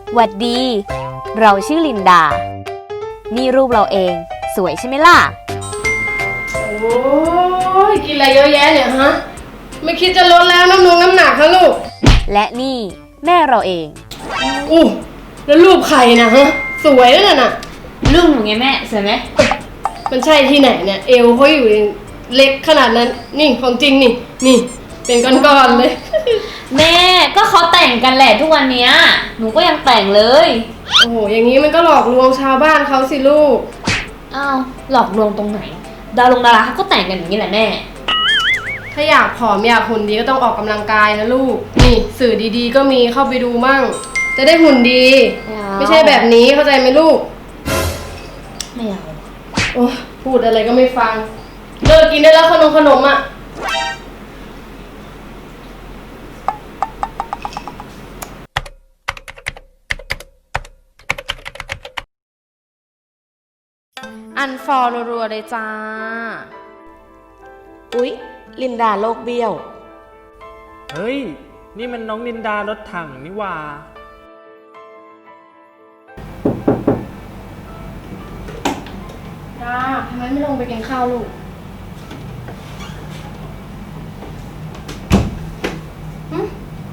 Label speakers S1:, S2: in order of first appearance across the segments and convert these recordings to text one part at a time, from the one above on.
S1: หวัดดี เราชื่อลินดา นี่รูปเราเอง สวยใช่ไหมล่ะ
S2: โอ้ยกินอะไรเยอะแยะเนี่ยฮะ ไม่คิดจะลดแล้วน้ำหนักฮะลูก
S1: และนี่แม่เราเอง
S2: อู้แล้วรูปใครนะฮะ สวยนั่นน่ะ
S1: รูปหนูไงแม่สวยไหม
S2: มันใช่ที่ไหนเนี่ย เอวเขาอยู่เล็กขนาดนั้น นี่ของจริงนี่ นี่ เป็นก้อนๆเลย
S1: แม่ก็เขาแต่งกันแหละทุกวันนี้หนูก็ยังแต่งเลย
S2: โอ้โห อย่างนี้มันก็หลอกลวงชาวบ้านเขาสิลูก
S1: อ้าวหลอกลวงตรงไหน ดาราเขาก็แต่งกันอย่างนี้แหละแม่
S2: ถ้าอยากผอมอยากหุ่นดีก็ต้องออกกำลังกายนะลูก นี่สื่อดีๆก็มีเข้าไปดูมั่ง จะได้หุ่นดี ไม่ใช่แบบนี้เข้าใจไหมลูก
S1: ไม่เอา
S2: โอ้พูดอะไรก็ไม่ฟัง เลิกกินได้แล้วขนมอ่ะ อันฟอลรัวๆเลยจ้า
S3: อุ๊ย ลินดาโลกเบี้ยว
S4: เฮ้ย นี่มันน้องลินดารถถังนี่หว่า
S2: จ้าทำไมไม่ลงไปกินข้าวลูกหึ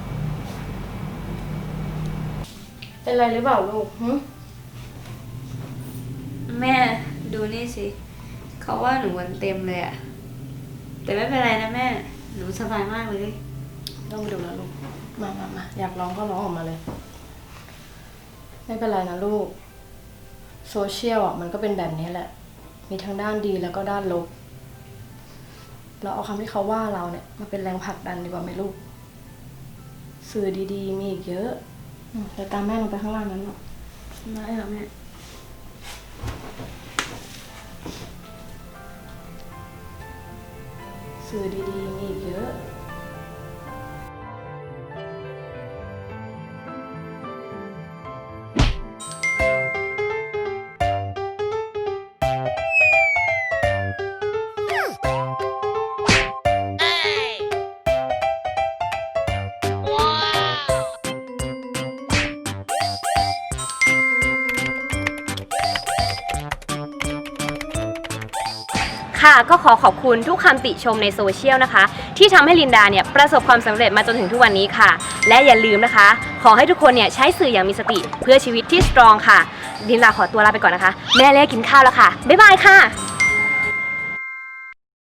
S2: เป็นไรหรือเปล่าลูกหึ
S1: แม่ดูนี่สิเขาว่าหนูวันเต็มเลยอะแต่ไม่เป็นไรนะแม่หนูสบายมากเลย
S2: ต้องไปดูแล้วลูก มาอยากร้องก็ร้องออกมาเลย ไม่เป็นไรนะลูก โซเชียลอ่ะมันก็เป็นแบบนี้แหละ มีทั้งด้านดีแล้วก็ด้านลบ เราเอาคำที่เขาว่าเราเนี่ยมาเป็นแรงผลักดันดีกว่าไหมลูก สื่อดีๆมีอีกเยอะเดี๋ยวตามแม่ลงไปข้างล่างนั้นหรอก
S1: ได้ค่ะแม่
S2: สื่อดีๆมีอีกเยอะ
S1: ค่ะก็ขอบคุณทุกคำติชมในโซเชียลนะคะที่ทำให้ลินดาเนี่ยประสบความสำเร็จมาจนถึงทุกวันนี้ค่ะและอย่าลืมนะคะขอให้ทุกคนเนี่ยใช้สื่ออย่างมีสติเพื่อชีวิตที่สตรองค่ะลินดาขอตัวลาไปก่อนนะคะแม่เรียกกินข้าวแล้วค่ะบ๊ายบายค่ะ